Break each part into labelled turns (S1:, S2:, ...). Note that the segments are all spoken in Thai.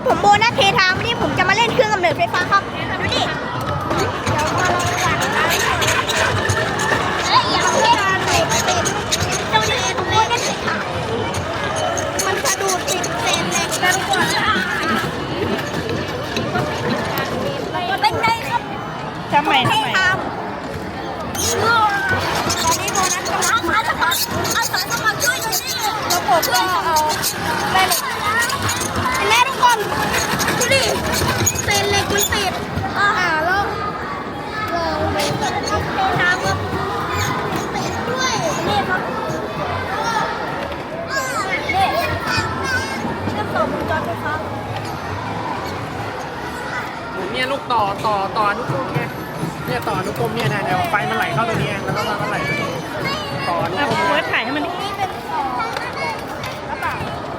S1: ผมโบนัสเททามวันนี้ผมจะมาเล่นเครื่องกำเนิดไฟฟ้าครับดูดิเดี๋ยวมาลองกันนะอย่าเล่นติดเจ้านี่ผมโบนัสเททามมันสะดุดติดเศษเหล็กกันก่อนเป็นไงครับทำไมตอนนี้โบนัสกำลังมาสมัครอาสาสมัครช่วยหน่อยดิแล้วผมก็เอาแม่เหล็กแม่ทุกคนดูดิเศษเหล็กมันติดแล้วไปทางก็ติดด้วยนี่ครับนี่เชื่อมต่อวงจรไฟฟ้า
S2: เนี่ยลูกต่ออนุกรมไงเนี่ยต่ออนุกรมเนี่ยนะเดี๋ยวไฟมันไหลเข้าตรงนี้แล้วก็มันไหลต่ออนุกรม
S3: เฟิร์สถ่ายให้มัน
S1: นี่เป็นต่อแล้วต่อ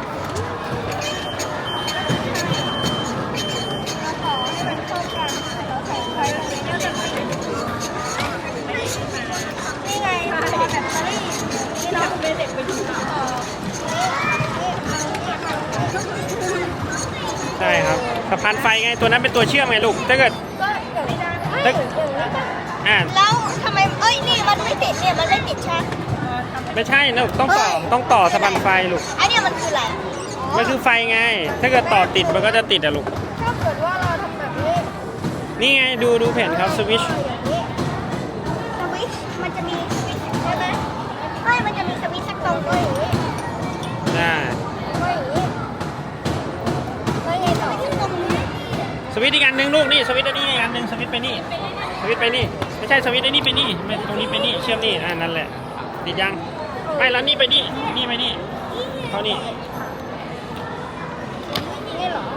S1: ให้มันเข้ากันแล้วใส่ไฟตรงนี้นี่ไงต่อแบตเตอรี่นี่เราเป็นเด็กไปดูต่อ
S2: ใช่ครับสะพานไฟไงตัวนั้นเป็นตัวเชื่อมไงลูกถ้าเกิด
S1: ก็อย่างนี้ได้แล้วทำไมนี่มันไม่ติดเนี่ยมันไม่ติดใช่
S2: ไม่ใช่นะต้องต่อสะพานไฟลูก
S1: ไอเนี่ยมันคืออะไร
S2: มันคือไฟไงถ้าเกิดต่อติดมันก็จะติดอะลูก
S1: ถ้าเกิดว่าเราทำแบบนี้
S2: นี่ไงดูแผ่นครับสวิตช์
S1: สวิตช์มันจะมีสวิตช์ใช่ไหมไม่มันจะมีสวิตช์สักตรงด้วยอย่างนี้
S2: ได้
S1: ด้วยอย่างนี้แล้วไงต่อตรงนี้
S2: สวิตช์อีกอันหนึ่งลูกนี่สวิตช์อันนี้อีกอันหนึ่งสวิตช์ไปนี่สวิตช์ไปนี่ไม่ใช่สวิตช์ไอ้นี่ไปนี่ตรงนี้ไปนี่เชื่อมนี่นั่นแหละติดยังไม่แล้วนี่ไปนี่ไปนี่เขานี่
S1: นี่เหรอ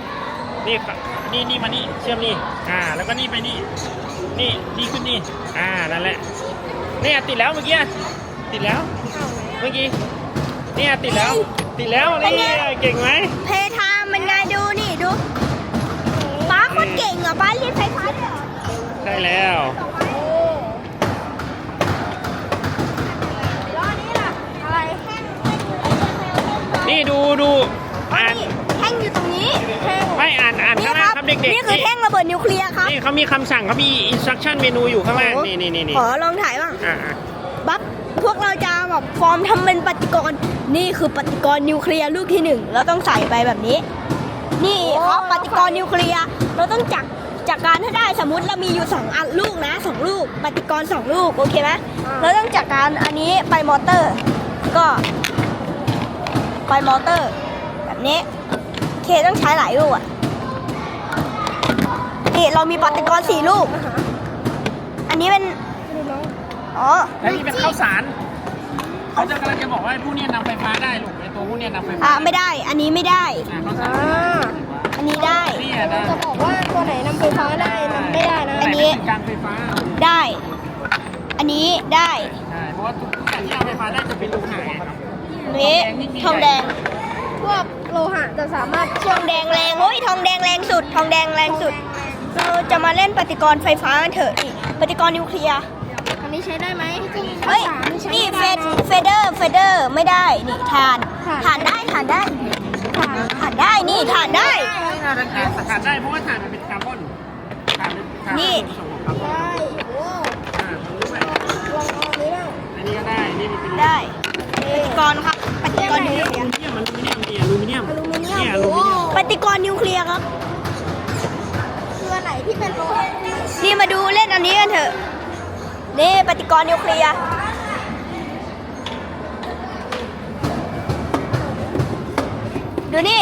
S2: นี่มานี่เชื่อมนี่แล้วก็นี่ไปนี่ขึ้นนี่นั่นแหละเนี่ยติดแล้วเมื่อกี้ติดแล้วเมื่อกี้เนี่ยติดแล้วนี่เก่งไหม
S1: เพทามมันไงดูนี่ดูป้าคนเก่งอ่ะป้าเรียนไฟฟ้าด้วยเหรอ
S2: ใช่แล้ว
S1: แล้วอันนี้ล่ะอะไรแห้ง
S2: นี่ดูอ่าน
S1: แท่งอยู่ตรงนี้แท่ง
S2: ไม่อ่านข้างล่างครับเด็กๆ
S1: นี่คือแท่งระเบิดนิวเคลียร์ครับ
S2: นี่เขามีคำสั่งเขามี instruction เมนูอยู่ข้างล่างนี่
S1: ขอลองถ่ายบ้าง
S2: อ่า
S1: บัฟพวกเราจะแบบฟอร์มทำเป็นปฏิกรณ์นี่คือปฏิกรณ์นิวเคลียร์ลูกที่1เราต้องใส่ไปแบบนี้ นี่เขาปฏิกรณ์นิวเคลียร์เราต้องจัดการให้ได้สมมุติเรามีอยู่2อันลูกนะ2ลูกปฏิกรณ์2ลูกโอเคไหมเราต้องจัดการอันนี้ไปมอเตอร์ก็ไปมอเตอร์แบบนี้โอเคต้องใช้หลายลูกอ่ะนี่เรามีปฏิกรณ์4ลูกอันนี้เป็น
S2: แล้วนี่เป็นข้าวสารเขาจะกำลังจะบอกว่าผู้นี้นำไฟฟ้าได้ลูกไอตัวผู้นี้นำไฟฟ้า
S1: ไม่ได้อันนี้ไม่ได้
S2: ข้าวสาร
S1: อันนี้ได้
S2: จะบอกว่าตัวไหนนำไฟฟ้าได้นำไม่ได้นะอันนี้การไฟฟ้า
S1: ได้ อันนี้ได้
S2: ใช่เพราะว่าทุกอย่างที่เอาไฟฟ้าได้จะเป็นลูกหางครับ
S1: นี้ทองแดง
S3: พวกโลหะจะสามารถ
S1: ทองแดงแรงโอ้ยทองแดงแรงสุดทองแดงแรงสุดเราจะมาเล่นปฏิกรณ์ไฟฟ้ากันเถอะนี่ปฏิกรณ์นิวเคลียร์
S3: อันนี้ใช้ได้ไหม
S1: เฮ้ยนี่เฟเดอร์ไม่ได้นี่ถ่านได้ถ่านได้นี่ถ่านได้
S2: ถ่านได้เพราะว่าถ่านมันเป็นคาร์บอน
S1: นี่
S3: ได้โอ้ลองเอานี้บ้าง
S2: อันนี้ก็ได้นี่มันเป็น
S1: ได้ปฏิกรณ์ครับปฏิกรณ์นิวเคลียร์
S2: อลูมิเนียมเนี่ยอลูมิเนียม
S1: ปฏิกรณ์นิวเคลียร์ครับ
S3: คืออันไหนที่เป็นโลหะ
S1: นี่มาดูเล่นอันนี้กันเถอะนี่ปฏิกรณ์นิวเคลียร์ดูนี่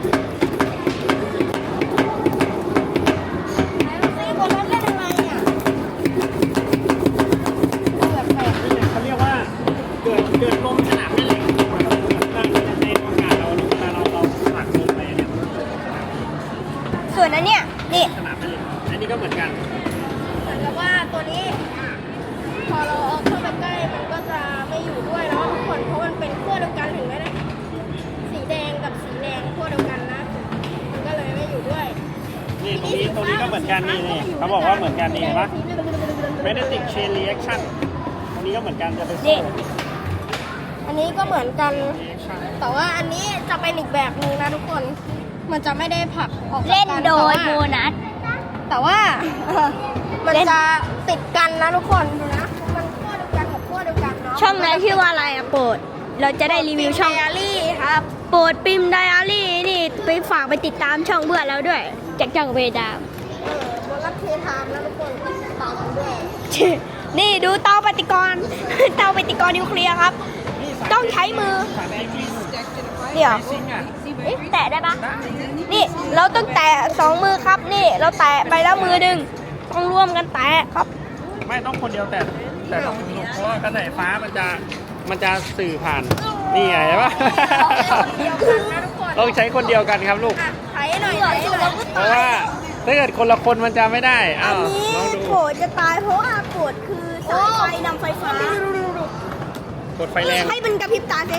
S2: เขาเรียกว่าเกิดลมสนามแม่เหล็กในโอกาสเราผลักลงไปเนี่ย
S1: ส่วนนั้นเนี่ยนี่
S2: สนามแม่เหล็กอันนี้ก็เหมือนกัน
S3: เหมือนกับว่าตัวนี้ พอเราเอาเข้าไปใกล้มันก็จะไม่อยู่ด้วยเนาะทุกคนเพราะมันเป็นขั้วเดียวกันเห็นไหมนะสีแดงกับสีแดงขั้วเดียวกันนะมันก็เลยไม่อยู่ด้วย
S2: นี่ตรงนี้ก็เหมือนกันนี่เขาบอกว่าเหมือนกันนี่เห็นปะ magnetic chain reaction ตรงนี้ก็เหมือนกันจะเป็น
S1: นี่
S3: อันนี้ก็เหมือนกัน แต่ว่าอันนี้จะเป็นอีกแบบนึงนะทุกคนมันจะไม่ได้ผลักออกจาก
S1: เล่น
S3: กัน
S1: โดยโบ
S3: แต่ว่า
S1: นัส
S3: แต่ว่ามัน
S1: เล่น
S3: จะติดกันนะทุกคนดูนะมันขั้วเดียวกันกับขั้วเดียวกันเนาะ
S1: ช่องนั้นชื่อว่าอะไรอะโปรด เราจะได้รีวิวช่อง
S3: ไดอารี่ครับ
S1: โปรดปิมไดอารี่นี่ไปฝากไปติดตามช่องเพื่อนเราด้วย จากจังเวดาม
S3: โบนัสเทไทม์นะทุกคนตามกันด้วย
S1: นี่ดูเตาปฏิกรณ์ เตาปฏิกรณ์นิวเคลียร์ครับ ต้องใช้มือ
S2: สารเคมี
S1: เดี๋ยว
S2: ซิงค์อ่ะ
S1: เอ๊ะแตะได้ปะนี่เราต้องแตะสองมือครับ นี่เราแตะไปแล้วมือหนึ่งต้องร่วมกันแตะครับ
S2: ไม่ต้องคนเดียวแต่ต้องมือเพราะว่ากระแสฟ้ามันจะสื่อผ่านนี่ไงเห็นปะ
S3: เดียวกันนะทุกคน
S2: ต้องใช้คนเดียวกันครับลูก
S3: อ่ะไถหน่อยไถหน่อย
S2: เพราะว่าถ้าเกิดคนละคนมันจะไม่ได้
S1: อั
S2: อ้าน ว
S1: นี้
S2: ลองดู
S1: โกรธจะตายเพราะว่าโกรธคือสายไฟนำไฟฟ้า
S2: กดไฟแรง
S1: ให้มันกระพริบตาสิ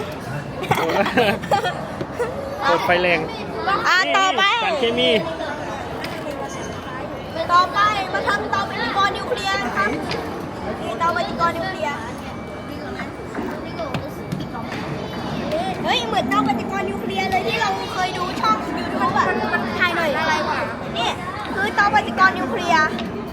S2: กดไฟแรง
S1: ต่อไป
S2: สารเคมี
S1: ต่อไปมาทำเตาปฏิกรณ์นิวเคลียร์ครับนี่เตาปฏิกรณ์นิวเคลียร์เฮ้ยเหมือนเตาปฏิกรณ์นิวเคลียร์เลยที่เราเคยดูช่องยูทูบอะมันถ่ายหน่อยอะไรวะนี่คือเตาปฏิกรณ์นิวเคลียร์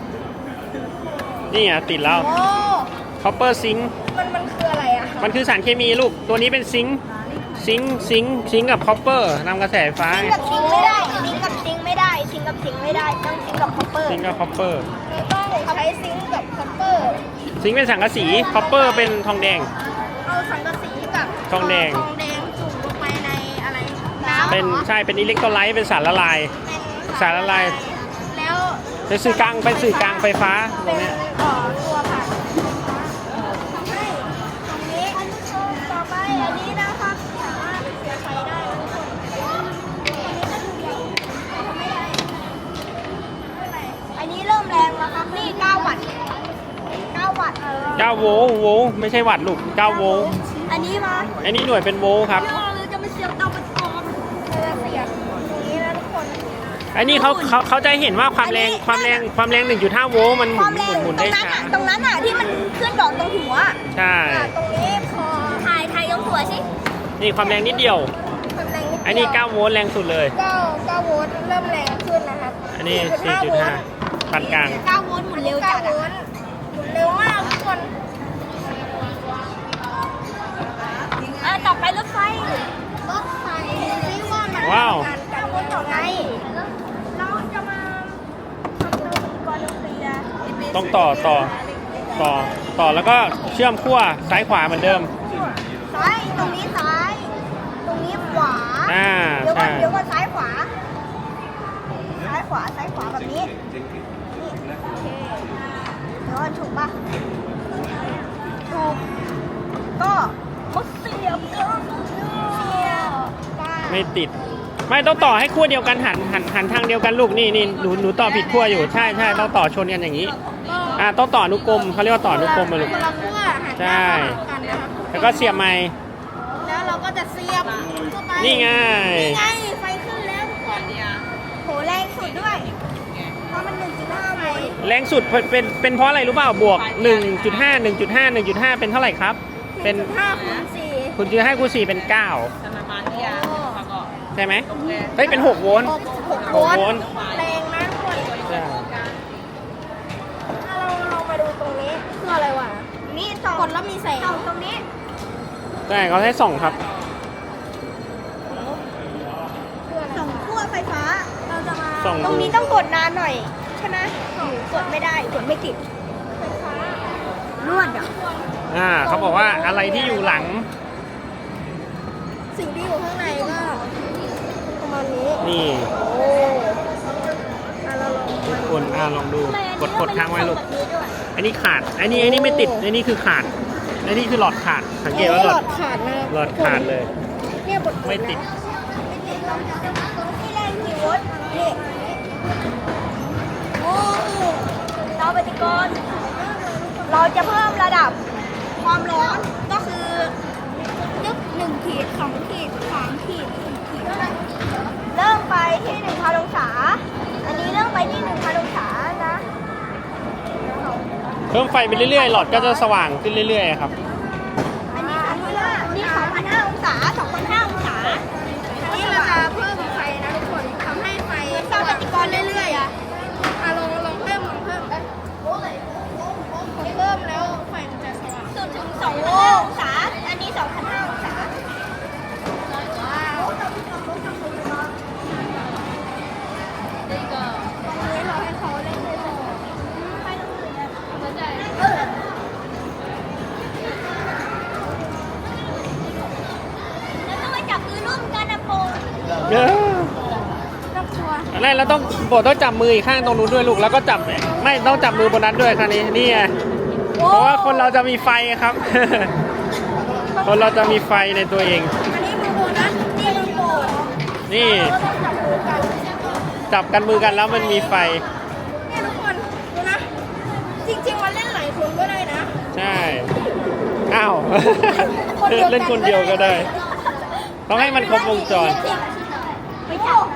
S2: นี่อ่ะติดแล้ว
S1: โอ้
S2: คอปเปอร์ซิงค์
S3: มันคืออะไรอ่ะ
S2: มันคือสารเคมีลูกตัวนี้เป็นซิงค์กับคอปเปอร์นำกระแสไฟฟ้า
S1: ซิงกับซิงไม่ได้ซิงกับซิงไม่ได้ซิงกับซิงไม่ได้ต้องซิงกับคอปเปอร์
S2: ซิงค์กับคอปเปอร์
S3: เราต้องใช้ซิงค์กับคัพเปอร์
S2: ซิงค์เป็นสังกะสีคอปเปอร์เป็นทองแดง
S3: เอาสังกะสีกับ
S2: ทองแดง
S3: ทองแดงจุ่มลงไปในอะไรน้ำ
S2: เป็นใช่เป็นอิเล็กโทรไลต์เป็นสารละลาย
S3: เป็น
S2: สารละลาย
S3: แล้ว
S2: เป็นสื่อกลางไฟฟ้าตร
S3: เป็
S2: ง
S3: น
S2: เนี้ย
S3: ตัวผ่านทำให้ตรงนี้ต่อไปอันนี้นะครับสามารถเสียไฟได้นะทุกคนอันนี้ก็ดูเดียวทำไม่ได้ไม่เป็นไร
S1: อันนี้เริ่มแรงแล้วครับนี่9วัตต์9วัตต์
S2: 9 โวลต์ไม่ใช่วัตต์ลูก9 โวลต์
S1: อันนี้มา
S2: อันนี้หน่วยเป็นโวลต์ครับ
S1: เราจะไม่เสียบเตาปฏิกรณ์
S3: เราจะเสียบตรงนี้นะทุกคน
S2: อันนี้เขาจะเห็นว่าความแรง 1.5 โวลต์มันห
S1: ความแรง
S2: มุน
S1: ตร
S2: ได้
S1: งนั้น
S2: ช้า
S1: อ่ะตรงนั้นอ่ะที่มันขึ้นดอกตรงหัว
S2: ใช่
S3: ตรงนี้พอ
S1: ถ่ายตรงหัวสิ
S2: นี่ความแรงนิดเดียว
S3: ความแรงนิดเดียว
S2: อันนี้ 9 โวลต์แรงสุดเลย
S3: 9 โวลต์เริ่มแรงขึ้นนะครับ
S2: อันนี้ 4.5 ปานกลาง
S1: 9โวลต์หมุนเร็วจัด
S3: 9 โว
S1: อ่ะ
S3: ลต์หมุนเร็วมากทุกคน
S1: ต่อไปรถไฟ
S3: รถไฟที่ว่ามัน
S2: ว้าว
S3: การกันวนต่อไง
S1: เราจะมาทำเตาปฏิกรณ์นิวเคลียร์
S2: ต้องต่อแล้วก็เชื่อมขั้วซ้ายขวาเหมือนเดิม
S1: ซ้ายตรงนี้ซ้าย ตรงนี้ขวา
S2: อ่า
S1: เดี๋ยวก่อน
S2: ใช่
S1: เดี๋ยวก่อนซ้ายขวา ซ้ายขวาซ้ายขวาแบบนี้ นี่โอเคเดี๋ยวก่อนถูกปะถูก ก็มาเสียบก็เสียบ
S2: ไม่ติด ไม่ต้องต่อให้ขั้วเดียวกันหันทางเดียวกันลูกนี่หนูต่อผิดขั้วอยู่ใช่ต้องต่อชนกันอย่างนี้ ต้องต่ออนุกรมเขาเรียกว่าต่ออนุกรมมาลูก
S3: คนละขั้วหันห
S2: ใช่
S3: น้าเข้าหากันนะครับ
S2: แล้วก็เสียบไม้
S3: แล้วเราก็จะเสียบเข้าไป
S2: นี่ไง
S3: นี่ไงไฟขึ้นแล้วทุกคน
S1: โหแรงสุดด้วย เพราะมัน 1.5 โวลต์
S2: แรงสุดเป็นเพราะอะไรรู้เปล่าบวก 1.5 เป็นเท่าไหร่ครับ เป็น
S3: 5 คูณ 4
S2: คุณจะให้คูณ4เป็น 9 ใช่ไหมเฮ้ยเป็น 6 โวลต์
S3: 6
S2: โวลต์
S3: แรงนะทุกคน
S2: ใช่
S3: ถ้าเรามาดูตรงนี้คืออะไรวะ
S1: นี่สอง
S3: กดแล้วมีแสง
S1: สองตรงนี้
S2: ใช่เขาให้ส่องครับ
S3: คืออะไร
S1: สองขั้วไฟฟ้า
S3: เราจะมา
S2: ส่อง
S1: ตรงนี้ต้องกดนานหน่อย ใช่ไหมกดไม่ได้ กดไม่ติด
S3: ไฟฟ้าน
S1: วดอ่ะ
S2: เขาบอกว่าอะไรที่อยู่หลัง
S3: สิ่งที่อยู่ข้างในก็ประมาณนี้
S2: นี่
S3: โอ้เราลอง
S2: ทุกคนลองดูกดค้างไว้ลูก
S1: แบบนี้ด้วย
S2: อันนี้ขาด อันนี้ไม่ติด อันนี้คือขาด อันนี้คือหลอดขาด สังเกตว่า
S3: ห
S2: ห
S3: ล
S2: ล
S3: อ
S2: อ
S3: ด
S2: ด
S3: ขาดนะ
S2: หลอดขาดเลย
S3: เนี่ยบท
S2: ไม่ติด
S1: นี่แรงกี่โวลต์นี่โอ้เตาปฏิกรณ์เราจะเพิ่มระดับความร้อนก็คือนึก1 ขีด 2 ขีด 3 ขีด 4 ขีด เริ่มไปที่ 1,000 องศา อันนี้เริ่มไปที่ 1,000 องศานะ
S2: เพิ่มไฟไปเรื่อยๆ หลอดก็จะสว่างขึ้นเรื่อยๆครับ
S1: อันนี้2,500นี่2,500 องศา 2,500 องศา
S3: นี่เราจะเพิ่มไฟนะทุกคนชัวร์
S2: อะไรเราต้องโบต้องจับมืออีกข้างตรงนู้นด้วยลูกแล้วก็จับไม่ต้องจับมือบนนั้นด้วยคราวนี้นี่ไงเพราะว่าคนเราจะมีไฟครับ คนเราจะมีไฟในตัวเอง
S3: อันนี้มือโบนัสนี่มือโบด
S2: นี่
S3: เราต้องจับมือกัน
S2: จับกันมือกันแล้วมันมีไฟ
S3: เนี่ยทุกคนดูนะ จริงๆมันเล่นหลายคนก็ได้นะ
S2: ใช่อ้าว เล่นคนเดียวก็ได้ ต้องให้มันครบวงจร
S1: ไปจับ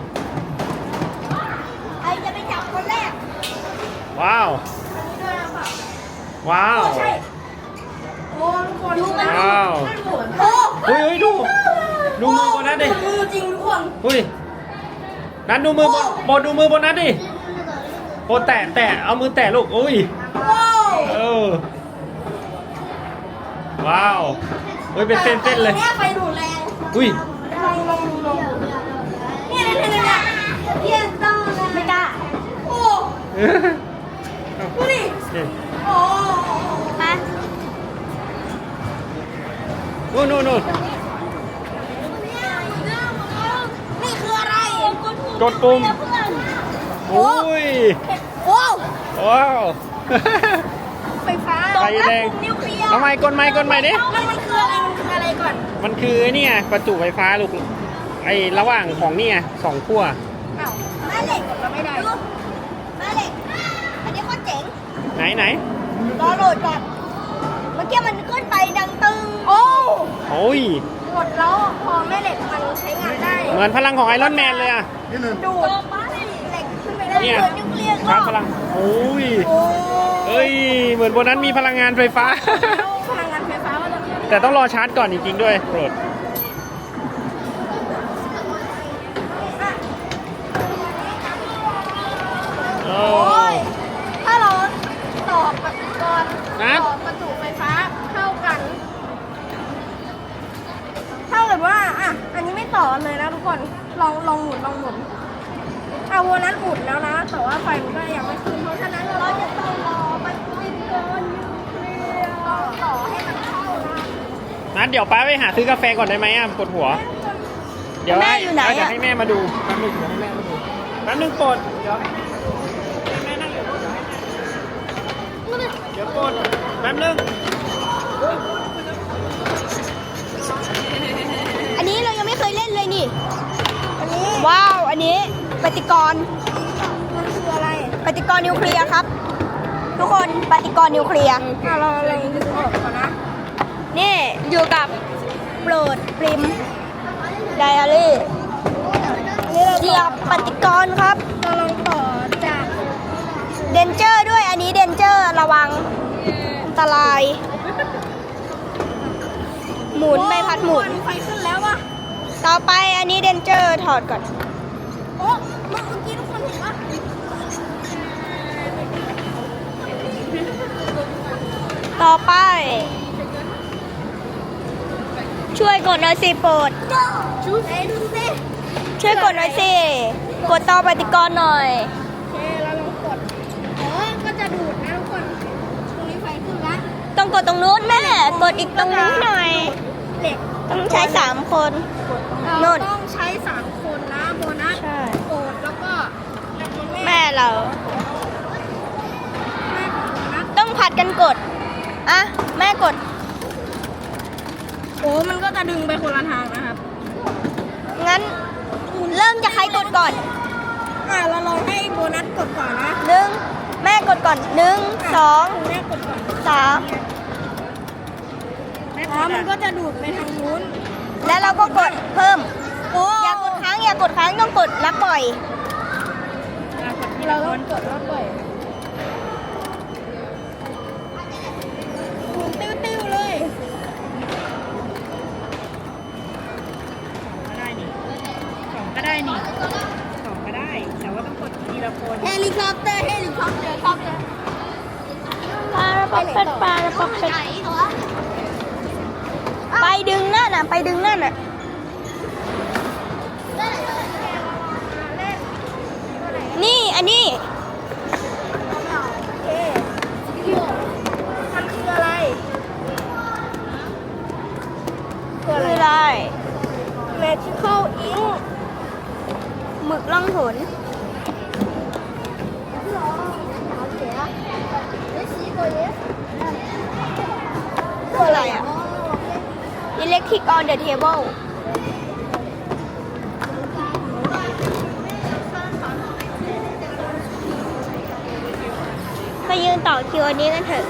S1: ใครจะไปจับคนแรก
S2: ว้าว ว้าว
S3: ใช่โอ้ทุกคนดูนะ
S2: ว้าว
S3: โอ้
S2: เฮ้ยดูมือบนนั้นดิ
S3: มือจริงทุกคน
S2: เฮ้ยนั้นดูมือบนดูมือบนนั้นดิโอ้แตะเอามือแตะลูกอุ้ย
S3: ว้าว
S2: เออว้าวเฮ้ยเป็นเส้นๆเลย
S3: เนี่ยไฟดูดแรง
S2: อุ้ย
S3: ลองเนี่ยเนี่ยต้องไม่กล้าโอ้ดูดิ
S2: นี่
S3: โอ้
S1: มา
S2: นู่น
S3: นี่คืออะไร
S2: กดปุ่มโอ้ย
S3: โอ้
S2: ว้าว
S3: ไฟฟ้า
S2: ไฟแรง
S3: นิวเคลียร์
S2: ทำไมกดไม่ดิ
S3: มันคืออะไรก่อน
S2: มันคือเนี่ยประจุไฟฟ้าลูกไอระหว่างของเนี่ยสองขั้ว
S3: อ้าวแม่เหล็กก็ไม่ได้
S1: แม่เหล็ก อันนี้โคตรเจ๋ง
S2: ไหน
S1: รอโหลดก่อน เมื่อกี้มันขึ้นไปดังตึง
S3: โอ้
S2: โอ้ย
S3: หมดแล้วพอแม่เหล็กมันใช้งานได้
S2: เหมือนพลังของไอรอนแมนเลยอ่ะ
S3: ดูดเหล็กขึ้นไปได้
S2: เนี่ย
S3: เกิดนิวเคลียร์
S2: ครั
S3: ก็
S2: บพลังโอ้ย
S3: โอ้
S2: เอ้ยเหมือนบนนั้นมีพลังงานไฟฟ้า
S3: พลังงานไฟฟ้าว่าจะ
S2: แต่ต้องรอชาร์จก่อนจริงๆด้วยโปรดโอ้
S3: โอ้ยถ้าเราต่อปฏิกรณ์
S2: นะ
S3: ต่อประจุไฟฟ้าเข้ากันเท่ากับว่าอ่ะอันนี้ไม่ต่อกันเลยนะทุกคนลองหมุนเอาวันนั้นอุดแล้วนะ แต่ว่าไฟมันก็ยังไม่ขึ้นเพราะฉะนั้นเราจะต้องรอปฏิกรณ์นิวเคลียร์ต่อให้มันเข้านะ
S2: นัดเดี๋ยวป้าไปหาซื้อกาแฟก่อนได้ไหมอ่ะปวดหัว เดี๋ยว
S1: แม่อยู่ไหนอะ
S2: เดี๋ยวให้แม่มาดูแป๊บนึงเดี๋ยวให้แม่มาดูแป๊บนึงปวดเดี๋ยวให้แม่นั่งอยู่เดี๋ยวให้แม่เดี๋ยวปวดแป๊บนึง
S1: อันนี้เรายังไม่เคยเล่นเลยนี่
S3: อันนี้
S1: ว้าว อันนี้ปฏิกรณ์
S3: มันคืออะไร
S1: ปฏิกรณ์นิวเคลียร์ครับ ทุกคนปฏิกรณ์นิวเคลียร์
S3: เราลองดูออกก่อนนะ
S1: นี่อยู่กับโปรดปริมไดอารี่
S3: อันนี้เรา
S1: เหยียบปฏิกรณ์ครับ
S3: เราลองต่อจาก
S1: เดนเจอร์ด้วย อันนี้เดนเจอร์ระวังอันตราย หมุนใบพัดหมุน
S3: ไฟขึ้นแล้วว่ะ
S1: ต่อไปอันนี้เดนเจอร์ถอดก่อน
S3: โอ้เมื่อกี้ทุกคนเห็นว่า
S1: ต่อไป ช่วยกดหน่อยสิโปรด
S3: ชูเอ้ดูสิ
S1: ช่วยกดหน่อยสิ กดต่อปฏิกรณ์หน่อย
S3: โอเคเราลองกดก็จะดูดนะทุกคนตรงนี้ไฟขึ้นแล้ว
S1: ต้องกดตรงนู้นแม่ กดอีกตรงนู้นหน่อย
S3: เหล็ก
S1: ต้องใช้3 คน
S3: เรา
S1: นู่น
S3: ต้องใช้3คนนะโบนัส
S1: ใช่
S3: โกดแล้วก็แล้วก็
S1: แม่เรา
S3: แม่ของโบนัส
S1: ต้องผัดกันกด อ่ะ แม่กด
S3: โอ้มันก็จะดึงไปคนละทางนะครับ
S1: งั้น เริ่มจากใครกดก่อน
S3: เราลองให้โบนัสกดก่อนนะ
S1: 1 แม่กดก่อน 1
S3: แม่กดก่อน
S1: 2 3
S3: มันก็จะดูดไปทางนู้น
S1: แล้วเราก็กดเพิ่ม
S3: โอ้
S1: อย่ากดค้างต้องกดแล้วปล่อย
S3: เราต้องกดแล้วปล่อยหมุนติ้วๆเลย
S4: ก็ได้นี่สองก็ได้ แต่ว่าต้องกดทีละคน
S3: เฮลิคอปเตอร์ครับเลย
S1: ปลาระปอกเป็ดปลาระปอกเป็ดไปดึงนั่นน่ะ ไปดึงนั่นน่ะ นี่ อันนี้
S3: โอเคมันคืออะไร
S1: คืออะไร
S3: Magical Ink
S1: หมึกล่องหนคืออะไรอ่ะ Electric on the table ไปยืนต่อคิวอันนี้กันเถอะ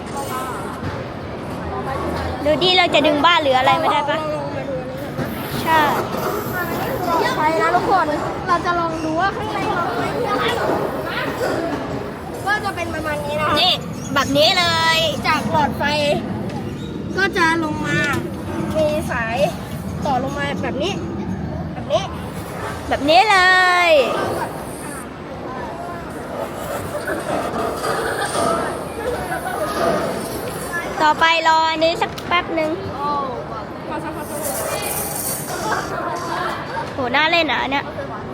S1: ดูดิเราจะดึงบ้านหรืออะไรไม่ได้ปะใช่
S3: ไปนะทุกคน เราจะลองดูว่าข้างในเราไม่มีอะไรก็จะเป็นประมาณนี้นะคะ
S1: นี่แบบนี้เลย
S3: จากหลอดไฟ ก็จะลงมา มีสายต่อลงมาแบบนี้ แบบนี้
S1: แบบนี้เลย ต่อไปรออันนี้สักแป๊บหนึ่ง
S3: พอสักพัก
S1: โหน่าเล่นอ่ะอันเนี่ย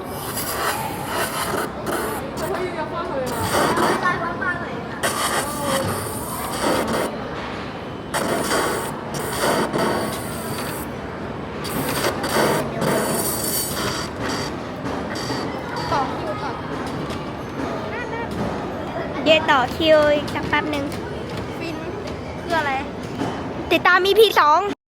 S3: ต่อคิวต่อ
S1: เดี๋ยวต่อคิวอีกสักแป๊บหนึ่ง
S3: ฟินคืออะไร
S1: ติดตาม EP 2